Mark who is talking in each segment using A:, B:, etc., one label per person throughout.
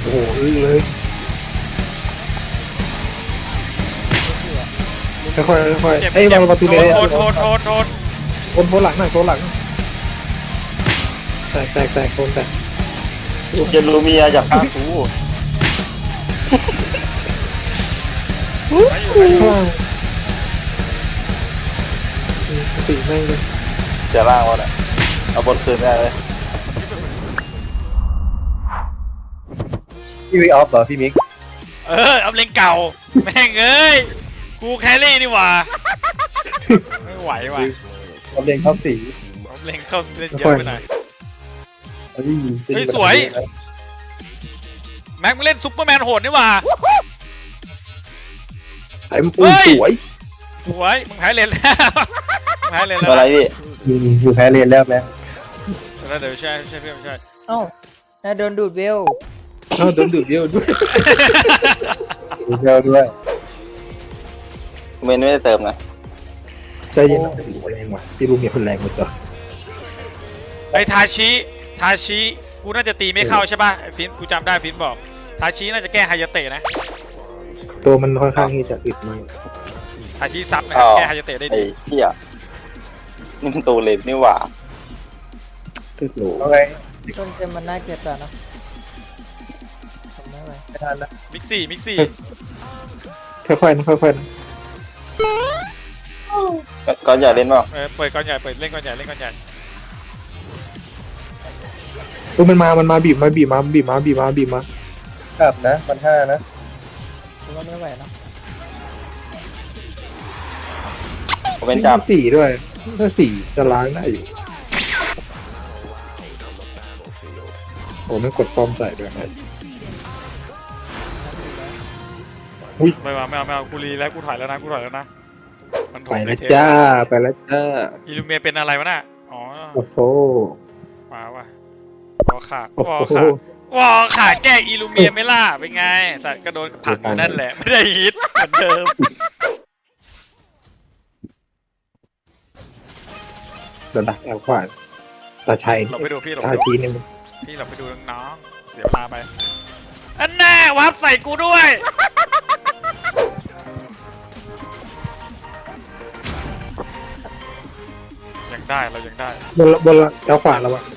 A: โอ้โหอึ้งเลยค่อยๆค่อยๆเอ้ยวางประตูเลย
B: โทษ
A: โคนหลังหน่อยโคนหลังแตกโคนแตก
C: เจนลูเมียอยากฆ่ากู
A: ข้างล่างสีแม่งเลย
C: จะล่างวะเนี่ยเอาบนคืนได้เลยพี่วิกออฟเหรอพี่มิก
B: เอาเลงเก่าแม่งเอ้ยกูแครี่นี่หว่าไม่ไหวว่ะ
C: เอาเลงเข้าสี
B: เอาเลงเข้าเล่นเยอะไปหน่อย เฮ้ยสวย แม็กมึงเล่นซุปเปอร์แมนโหดนี่หว่า
A: ไอ้ปืนสวย
B: สวยมึงแพ้เลนแล้วมึงแพ้เลนแล้ว
C: อะไรพี่อยู่แพ้เรียนแล้วไหม
B: แล้วเดี๋ยวช่วยเพื่อนช่วย
D: เอ้าน่าโดนดูดเวล
A: เอาโดนดูดเดียวด้วย
C: เดียวด้วยเมนไม่ได้เติมนะ
A: ใจเย็นนะโอ้โหแรงว่ะพี่ลุงเนี่ยคนแรงหมดจ้ะ
B: ไอ้ทาชิกูน่าจะตีไม่เข้าใช่ป่ะไอ้ฟินกูจำได้ฟินบอกทาชิน่าจะแก้ไฮยาเตะนะ
A: ตัวมันค่อนข้างที่จะอึดมาก
B: ทาชิซับนะครับแก้ไฮยาเตะได้
C: ไอ้
B: ดี
C: เหี้ยนี่มันตัวเลนนี่หว่า
A: ตึกโหล
C: โอเค
D: ต้นเจมมันน่าเกลียดแต่นะทำไม่ไหว
C: ไม่ทันนะ
B: มิกซี่
A: ค่อยๆนะค่อยๆนะ
C: ก่อนอย่าเล่นเปล่า
B: เปิดก้อนใหญ่เปิดเล่นก้อนใหญ่เล่นก้อนใหญ่
A: มันมาบีบมา
C: ครับนะมันห้านะ
D: ผมว่าไม่ไหวนะ
C: ผมเป็นจับ
A: สี่ด้วยถ้าสี่จะล้างได้อยู่โอ้ไม่กดฟอร์มใส่ด้วยนะ
B: ไม่เอากูรีแล้วกูถอยแล้วนะมันถ
A: ไป
B: อย
A: แล้วจ้าไปแล้วจ้า
B: อิลูเมียเป็นอะไรวะน่ะอ๋อ
A: โอ้โห
B: มาว่ะวอขาแก้อิลูเมียไม่ล่ะเป็นไงแต่ก็โดนผลักอยู่นั่นแหละไม่ได้ฮิตเหมือนเดิม
A: เดี๋ยวดักแอลขวานตาชัย
B: เราไปดูพี่เรา
A: ตา
B: ไปดู
A: ทีนึง
B: พี่เราไปดูน้องๆเสียมาไปอันแน่วับใส่กูด้วยยังได้เรายังได้
A: บนแอลขวานแล้วอะ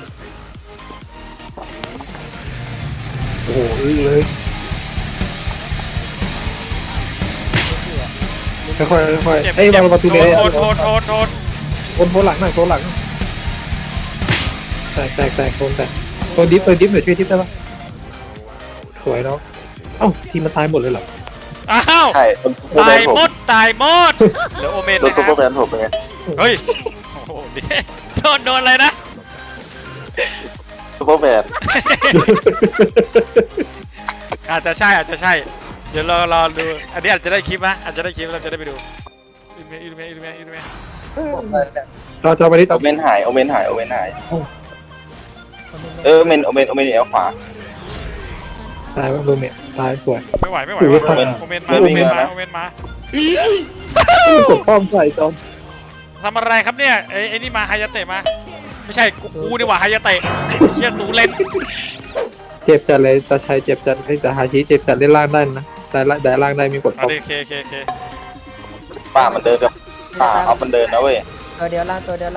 A: โอ้โหอึ้งเลยค่อยๆเอ้ยวางประตูเลย
B: โทษ
A: โคนหลังหน่อยโคนหลังแตกโคนแตกโคนดิฟหน่อยช่วยดิฟได้ปะสวยเนาะเอ้าทีมมันตายหมดเลยเหรอ
B: อ้าว
C: ใช่ซุปเปอร์แม
B: ตาย
C: นผม
B: หมดเดี๋ยวโอเมน
C: โดน
B: นะ
C: ซุปเปอร์แม
B: ฮะ
C: นผมเป็นไง
B: เฮ้ยโอ้โหโดนอะไรนะ
C: ซุปเปอร์แมน
B: อาจจะใช่เดี๋ยวรอดูอันนี้อาจจะได้คลิปนะอาจจะได้คลิปเราจะได้ไปดูอิลูเมีย
A: เราจะไปที่
C: โอ
A: ต่อ
C: เมนหายเมนหายเมนโอเมนเอลขวา
A: ตายว่าโดนเนี่ยตายสวย
B: ไม่ไหว
A: โอเมน
B: โอเมนมาก
A: ดป้อมใส่จอม
B: ทำอะไรครับเนี่ยไอ้นี่มาไฮยาเตะมาไม่ใช่กูนี่หว่าไฮยาเตะเชี่ยตูเล่น
A: เจ็บจัดเลยตาชัยเจ็บจัดไอ้ตาฮาชิเจ็บจัดเล่นล่างได้นะแต่ล่างได้มีกด
B: โอ
A: ป้อม
B: เค
C: ป่ามันเดินกับป่าเอามันเดินนะเว้ย
D: ตัวเดียวล่างตัวเดียว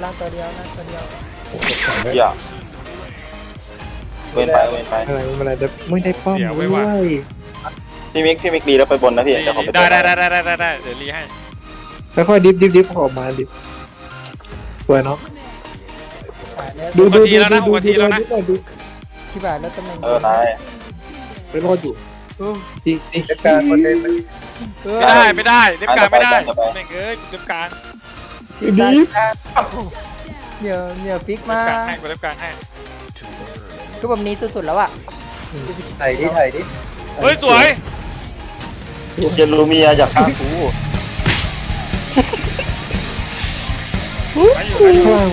C: อย่าเว้นไป
A: อะไรไม่ได้ป้อมด้วย
C: พี่มิกดีแล้วไปบนนะพี่จะขอไป
B: ได้เดี๋ยวรีให้
A: ค่อยๆดิฟออกมาดิสวยเนาะดู
D: ที่บ่ายแล้วตำแหน่ง
C: นาย
A: ไปรอดอยู่จริง
C: จัดการคนเดิน
B: ไม่ได้เล็บกลางไม่ได้แม่งเอ้ยเล็บกลาง
A: ดิฟ
D: เหนียวฟิก
B: เล็
D: มา
B: บกลางให้เล็บกลางให้
D: คือแบบนี้สุดๆแล้วอ่ะ
C: ถ่ายดิ
B: เฮ้ยสวย
C: เจนลูเมียอยากฆ่ากู
B: ไปอยู่
A: ข้าง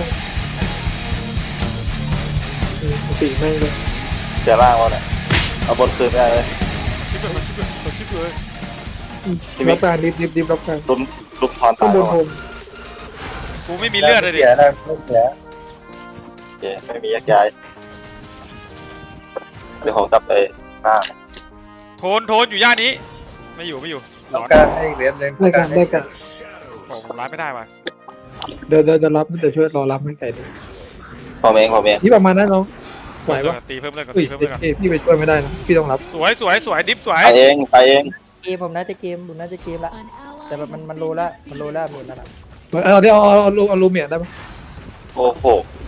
A: ตีแม่งเลย
C: จะล่างวะเนี่ยเอาบนคืนได้เลย
B: คลิปเลย
A: รับการดิฟรับการ
C: ลุมทอน
A: ข้า
C: ตาง ย
A: บนโฮม
B: กูไม่มีเลือดเลยดิ
C: ไม่มียักย้ายดี๋ยวผมกลับไปหน้า
B: โทนอยู่ย่านนี้ไม่อยู่
E: ต้อง
B: ร้อน
E: การให้อีกเว็บหนึง
A: ได้กันได้กัน
B: โอ้ผมรับไม่ได้ว่ะ
A: เดี๋ยวรับเดี๋ยวช่วยรอรับให้ไก่ด้วย
C: ผมเอง
A: ที่ประมาณนั้นน้องไหวปะ
B: ตีเพิ่มเลยก่อน
A: อุ้ย
B: ตีเพิ่มเลยก่อน
A: พี่ไปช่วยไม่ได้นะพี่ต้องรับ
B: สวยดิฟสวย
C: ไปเองไปเอง
D: เกมผมน่าจะเกมละแต่แบบมันรู้ละมีแล้วนะ
A: เอาเดี๋ยวเอาลูเมียได้ปะ
C: โอ้โห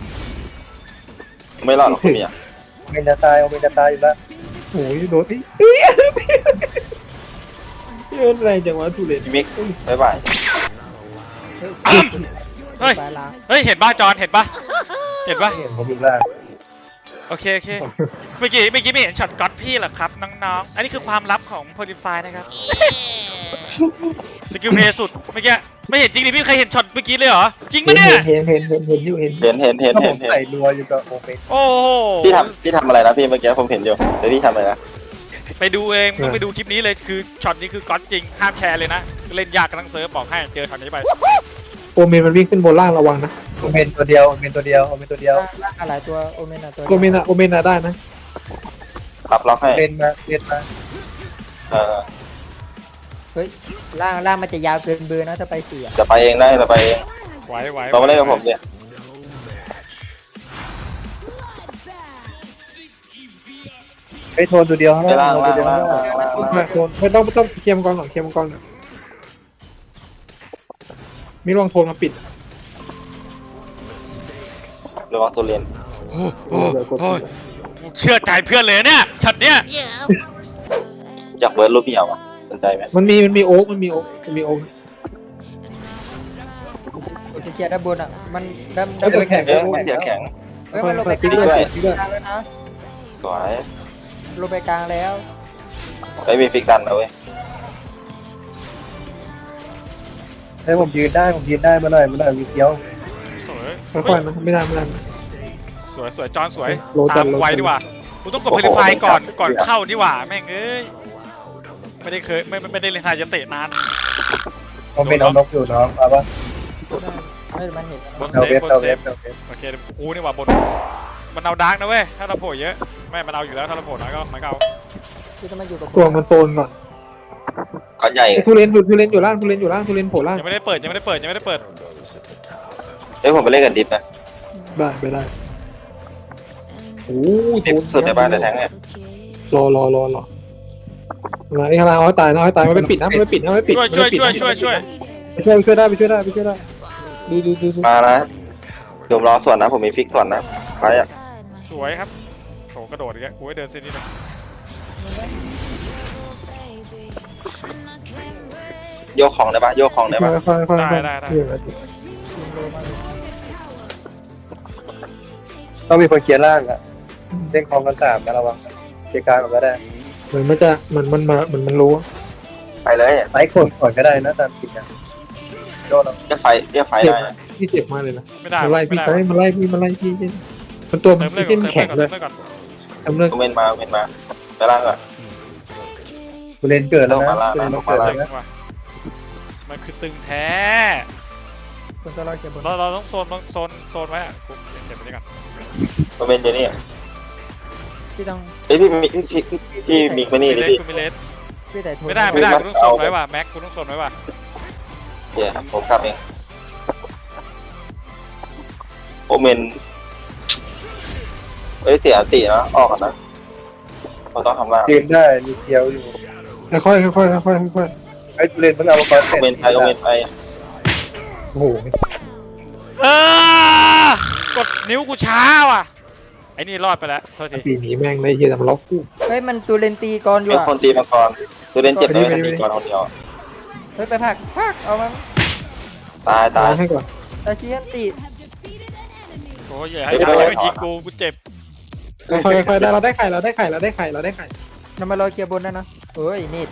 C: ไม่รอดหรอกคุณเนี่ย
E: โอเมนจะตายอยู่แล้ว
A: โอ้ยโดนเฮ้ยโดนอะไรจังวะทุเรศ
C: พี่มิกบ๊ายบาย
B: เฮ้ย
D: สายล้าง
B: เห็นป่ะจอนเห็นป่ะ
E: เห็นผมอยู่ล่าง
B: โอเคเมื่อกี้ไม่เห็นช็อตก๊อตพี่เหรอครับน้องๆอันนี้คือความลับของโพลิฟายนะครับสกิลเพย์สุดเมื่อกี้ไม่เห็นจริงดิพี่เคยเห็นช็อตเมื่อกี้เลยเหรอจริงปะเนี่ย
A: เห็นอยู่เห็น
E: ถ้าผมใส่รัวอยู่กับโอเมน
B: โอ้โห
C: พี่ทำอะไรนะพี่เมื่อกี้ผมเห็นอยู่เดี๋ยวพี่ทำอะไรนะ
B: ไปดูเองต้องไปดูคลิปนี้เลยคือช็อตนี้คือก๊อตจริงห้ามแชร์เลยนะเล่นยากกันทั้งเซิร์ฟบอกให้เจอช็อตนี้ไป
A: โอเมนมันวิ่งขึ้นบนล่างระวังนะ
E: โอเมนตัวเดียว
D: ล่างหลายตัวโอเมนตัว
A: โอเมนได้นะ
C: รับล็อกให้
E: เล่นมา
D: เฮ้ยล่างมันจะยาวเกินเบอร์นะถ้าไป4อ่ะ
C: จะไปเองได้จะไปเอง
B: ไหว
C: เรามาเล่นกับผมเนี่ย
E: ไอ้โทนตัวเดียวข้าง
C: ไปล่าง
E: ตัวเดียว
A: ไม่ต้องเคลียร์มังกรก่อนเคลียร์มังกรก่อนมีรองโทนมาปิด
C: ระวังตัวเรียน
B: โอ้เชื่อใจเพื่อนเลยเนี่ยช็อตเนี้ย
C: อยากเบิร์ดรูปพี่เอาอ่ะสนใจไหม
A: มันมีโอ๊กมันมีโอ๊ก
D: จะเคลียร์ด้านบนอ่ะมันด้าน
E: ไม่เป็นแข่ง
C: เอ้ยเสียแข็ง
D: เฮ้ยมันลงไปก
A: ติ๊
D: ลาก ง
A: ด้วย
D: แล้วนะ
C: สวย
D: ลงไปกลางแล้ว
C: ไม่มีฟิกดันนะเว้ย
E: ให้ผมยืนได้มาหน่อยมีเกี้ยว
B: สวย
A: ค่อยๆนะไม่ได้
B: สวยจอนสวย
A: โลจัน
B: ตามไวดีกว่ากูต้องกดเพลิฟายก่อนเข้าดีกว่าแม่งเอ้ยไม่ได้เล่นทายจะเตะนาน
E: โอเมนเอานกอยู่น้องเอาปะ
D: ไม่มันเห็น
B: บน
E: เอา
B: เซ
E: เว็
B: ฟ
E: บบ
B: น
E: เอา
B: เซ
E: เว็
B: ฟ
E: บเอาเว็บ
B: โอเคกูนี่ว่าบนมันเอาดาร์กนะเว้ยถ้าเราโผล่เยอะไม่มันเอาอยู่แล้วถ้าเราโผล่น้อยก็มันก็เอา
D: ที่จะมาอยู่กับ
A: ตัวมันโซนก่อน
C: ก้อนใหญ่
A: ทุเรนอยู่ล่างทุเรนโผล่ล่าง
B: ยังไม่ได้เปิด
C: เฮ้ยผมไปเล่นกันดิฟนะ
A: ได้ไปได้โอ้
C: ดิฟสุดในบ้านแต่แทงเนี่ย
A: รอมาไอ้ข้างล่างเอาตายมันไม่ปิดนะไม่ปิด
B: ช่วย
A: ไปช่วยได้ดู
C: มานะเดี๋ยวรอส่วนนะผมมีฟิกส่วนนะไปอ่ะ
B: สวยครับโถกระโดดอีกแล้วกูให้เดินเส้นนี้เลย
C: โยกของได้ปะโยกของได้ปะ
A: ค่อย
E: ต้องมีคนเกียร์ล่างอ่ะเล่นคลองกัน3นะระวังเกียร์กลางก็ได้
A: เหมือนมันรู้
C: ไปเลย
E: ไฟคนก่อนก็ได้นะตามจริงนะโดน
C: เรียกไฟได้นะ
A: พี่เจ็บมากเลยนะ
B: ไม่ได้
A: มันไล่พี่มันตัว
B: เติ
A: มัน
B: มเลือด
A: ไม่
B: ก่อน
A: ใช่แข็งเลย
B: เติมเลือดก่อน
A: ทำเรื่อง
C: เวนมาไปล่างก่อน
E: กูเล่นเกิดแล้วนะ
C: ลงมา
E: เกิด
C: ลงมา
E: แล้วนะ
B: มันคือตึงแท้
D: คนตัวเราเก็บบน
B: เราต้องโซนไว้อะกูเก็บไปนี่ก่อน
C: เวนอยู่นี่
D: ที่ต้อง
C: เฮ้ยพี่มิกมานี่ดิพี่
B: กูมีเลส
D: ที่แต่โทน
B: ไม่ได้กูต้องโซนไว้ว่ะแม็กกูต้องโซนไว้ว่ะ
C: เดี๋ยวผมกลับเองโอเมนเฮ้ยเสียตินะออกก่อนนะเราต้องทำล่าง
E: ยืนได้มีเกี้ยวอยู่
A: ค่อย
E: ไอ้กูเล่นมันเอามาก่อน
C: โอเมนไป
A: โอ้โห
B: กดนิ้วกูช้าว่ะไอ้นี่รอดไปแล้วโทษที
A: ปีนี้แม่งเลยเฮียแต่มันล็อกกู
D: เฮ้ยมันตัวเลนตีก่อนอยู่
C: เป็น
D: อ่ะ
C: คนตีมังกรตัวเล่นเจ็บเลยตีก่อนคนเดียว
D: เฮ้ยไปพักเอามัน
C: ตาย
A: ให้ก่อน
D: ตาเชียนตี
B: โอ้ยอย่าให้ยิงกูเจ็บ
A: ค่อยได้เราได้ไข่
D: นำมารอเคลียร์บนได้นะเฮ้ยนี่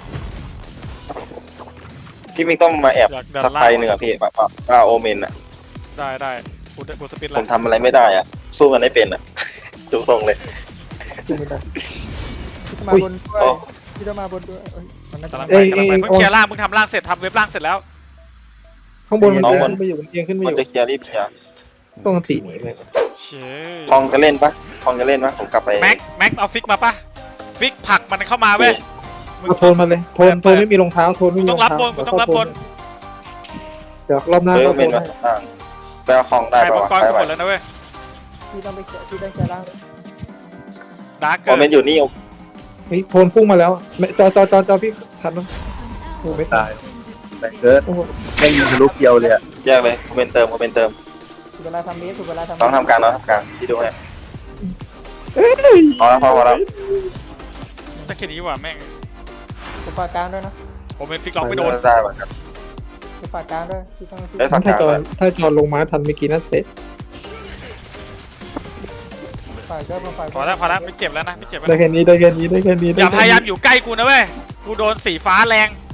C: พี่มิกต้องมาแอบสักไฟหนึ่งอะพี่ว่าโอเมนอะ
B: ได้กูสปิด
C: ผ
B: แล้ว
C: มทำอะไรไม่ได้อะสู้มันไม่เป็นอะดูทรงเลย
D: ที่มาบนด้วยที่ต้องมาบนด้วยมันน่าจะ
B: กำลังไปเพิ่งเคลียร์ล่างเพิ่งทำล่างเสร็จทำเว็บล่างเสร็จแล้ว
A: ข้างบนมันขึ้นไปอยู่มันเอียงขึ้นไปอ
C: มัน
A: ยู่
C: จะเคลียร์รีบเคลียร์
A: ต้องตีหนีเลย
B: เช่
C: คองจะเล่นปะผมกลับไป
B: แม็กเอาฟิกมาปะฟิกผลักมันเข้ามาเว้ย
A: เอาโทนมาเลยโทนไม่มีรองเท้าโทนไม่มี
B: ต้
A: ร
B: อ
A: อง ง
B: รับ
A: เท้า
B: บนกูต้องรับบน
A: เดี๋ยวรอบหน้า
C: เฮ้ย
A: ก็
C: เม
A: โท
C: น
A: น
C: มา
A: ให้
C: ไปเอาของได้
B: ใคร
C: ป่า
B: มัง
C: วะ
B: กร
C: ไป
B: กู
C: ไป
B: หมดแล้วนะเว้ย
D: พี่ต้องไปพี่ต้องแกล่าง
B: ดาร์กเกิ
C: โมเมนต์อยู่นี่
A: เฮ้ยโทนพุ่งมาแล้วไม่จอพี่ทันมั้ยโอ้ไม่ตา
E: ตาย ยแต่เกิด
A: โอ้โห
E: แม่งยิงทะลุเดียวเลยอะ
C: แยกเลยโมเมนต์เติมโมเมนต์เติม
D: ถูกเวลาทำเบสถูกเวลาทำ
C: น้องทำการน้องทำการที่ดูให้พอแล้วพอแล้ว
B: สักแค่นี้ว่ะแม่ง
D: ถูกฝากกลางด้วยนะ
B: ผมเป็นฟิกล็อกไม่โดน
C: ได้เหมือนกัน
D: ถูกฝากกลางด้วยพี่ต้อง
C: เอ้ยฝาก
A: ถ้าจอลงมาทันเมื่อกี้นั่นเตะ
D: ฝากเจ้าฝาก
B: พอแล้วไม่เจ็บแล้วนะไม่เจ็บแล้ว
A: ได้
B: นะ
A: แค่นี้
B: อย่าพยายามอยู่ใกล้กูนะเว้ยกูโดนสีฟ้าแรง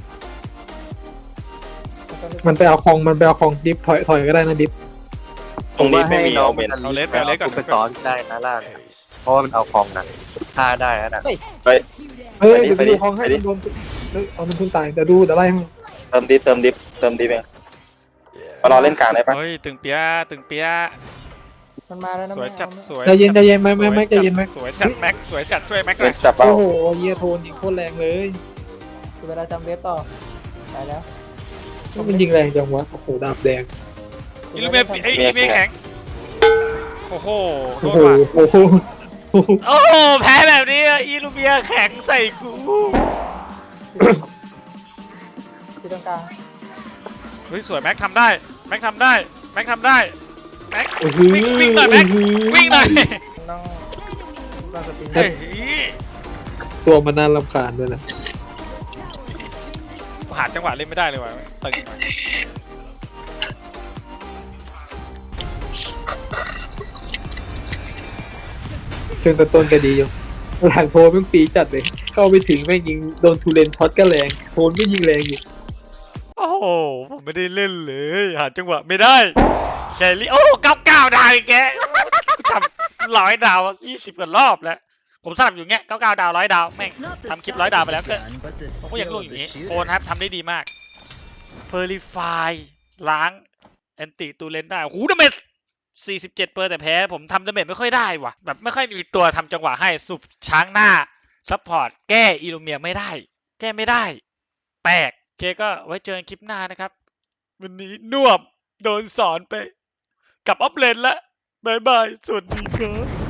A: มันไปเอาคองดิฟถอยก็ได้นะดิฟ
C: ตรงนี้ไม่มีโมเมนต์
B: เอาเลสก่อน
E: ไปซ้อนได้นะล่างเพราะว่ามันเอาของนะฆ่าได้นะ
A: เฮ้ยเดี๋ยวดูคองให้โดนเอามันพึ่งตายเดี๋ยวไล่ให้
C: เติมดิฟเองมารอเล่นกลางได้ปะ
B: เฮ้ยตึงเปีย
D: มันมาแล้วนะ
B: สวยจัดสวย
A: ใจเย็นไม่ใจเย็นไหม
B: สวยจัดแม็กสวยจัดช่วยแม็กหน่
C: เล่
B: อน ย
C: จับเปล่า
A: โอ้โหเยียโทนยิงโคตรแรงเลย
D: ถูกเวลาทำเบสต่อตายแล้ว
A: มันยิงแรงจังวะโอ้โหดาบแดง
B: อิลูเมียไอ้อิลูเมียแข็งโอ้โหโท
A: โอ้
B: ษ
A: โห
B: ว่ะ
A: โอ้โห
B: โอ้โหแพ้แบบนี้อิลูเมียแข็งใส่กู
D: พี่ต้องกลาง
B: เฮ้ยสวยแม็กทำได้แม็กทำได้แม็ก
A: โอ้โห
B: วิ่งหน่อยแม็กวิ่งหน่อย
D: ต้องสปิน
B: เฮ้ย
A: ตัวมันน่ารำคาญด้วยนะ
B: หาจังหวะเล่นไม่ได้เลยว่ะตึงว่ะ
A: ช่วงต้นก็ดีอยู่หลังโทนแม่งปีจัดเลยเข้าไปถึงแม่งยิงโดนทูเลนช็อตก็แรงโทนไม่ยิงแรงอยู่
B: โอ้โหผมไม่ได้เล่นเลยหาจังหวะไม่ได้แครี่โอ้99 ดาวอีกแกทำ100 ดาว20 กว่ารอบแล้วผมสลับอยู่เงี้ย99 ดาว100 ดาวแม่งทำคลิป100 ดาวไปแล้วก็ผมก็ยังรู้อย่างนี้โอนครับทำได้ดีมากเพอร์ลิฟายล้างแอนติตูเลนได้โอ้โหดาเมจ47%แต่แพ้ผมทำดาเมจไม่ค่อยได้ว่ะแบบไม่ค่อยมีตัวทำจังหวะให้สุบช้างหน้าซัพพอร์ตแก้อิลูเมียไม่ได้แก้ไม่ได้แปลกโอเคก็ไว้เจอกันคลิปหน้านะครับวันนี้น่วมโดนสอนไปกับออฟเลนแล้วบายบายสวัสดีครับ